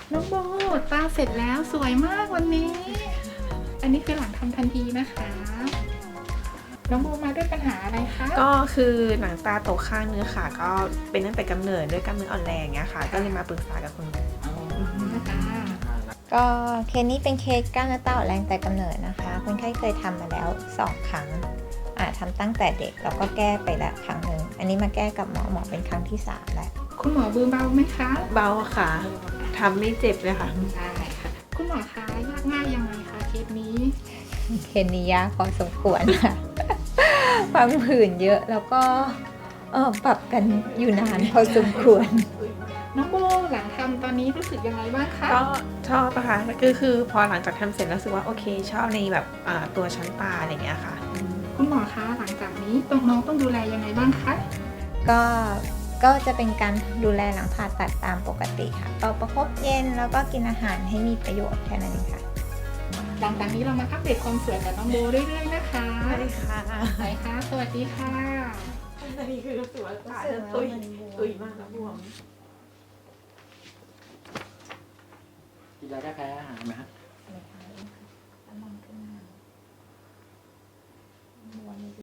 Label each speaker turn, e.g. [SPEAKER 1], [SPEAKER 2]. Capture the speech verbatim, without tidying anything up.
[SPEAKER 1] น้องโบตาเสร็จแล้วสวยมากวันนี้ อันนี้คือหลังทำทันทีนะคะ น้องโบมาด้วยปัญหาอะไรคะ
[SPEAKER 2] ก็คือหนังตาตกข้างนึงค่ะ ก็เป็นตั้งแต่กำเนิดด้วยกล้ามเนื้ออ่อนแรงเงี้ยค่ะ ก็เลยมาปรึกษากับคุณหมอ
[SPEAKER 3] ก็เคสนี้เป็นเคสกล้ามเนื้อตาอ่อนแรงแต่กำเนิดนะคะคนไข้เคยทำมาแล้วสองครั้งอ่าทำตั้งแต่เด็กแล้วก็แก้ไปแล้วครั้งหนึ่งอันนี้มาแก้กับหมอหมอเป็นครั้งที่สามแล้ว
[SPEAKER 1] คุณหมอมือเบาไหมคะ
[SPEAKER 2] เบาค่ะทำไม่เจ็บเลยค่ะ
[SPEAKER 1] ได้ค่ะ คุณหมอคะยากง่ายยังไงคะเคสนี้
[SPEAKER 3] เคสนี้ยากพอสมควรค่ะ ฟังผื่นเยอะแล้วก็เออปรับกันอยู่นานพอสมควร
[SPEAKER 1] น้องโบหลังทำตอนนี้รู้สึกยังไงบ้างคะ
[SPEAKER 2] ก็ชอบปะคะก็คือพอหลังจากทำเสร็จแล้วรู้สึกว่าโอเคชอบในแบบอ่าตัวชั้นตาอะไรเงี้ยค่ะ
[SPEAKER 1] คุณหมอคะหลังจากนี้ต้องน้องต้องดูแลยังไงบ้างคะ
[SPEAKER 3] ก็ก็จะเป็นการดูแลหลังผ่าตัดตามปกติค่ะก็ประคบเย็นแล้วก็กินอาหารให้มีประโยชน์แค่นั้นเองค่ะ
[SPEAKER 1] หลังจากนี้เรามาอัปเดตความสวยกับน้องโบเรื่อยๆนะคะ
[SPEAKER 2] ใช่ค่ะ
[SPEAKER 1] ไปค่ะสวัสดีค่ะ
[SPEAKER 2] อันนี้คือรู้สึกว่าตาจะตุยตุยมากแล้วบวม
[SPEAKER 4] กินยาแก้แพ้อาหารไหมฮะ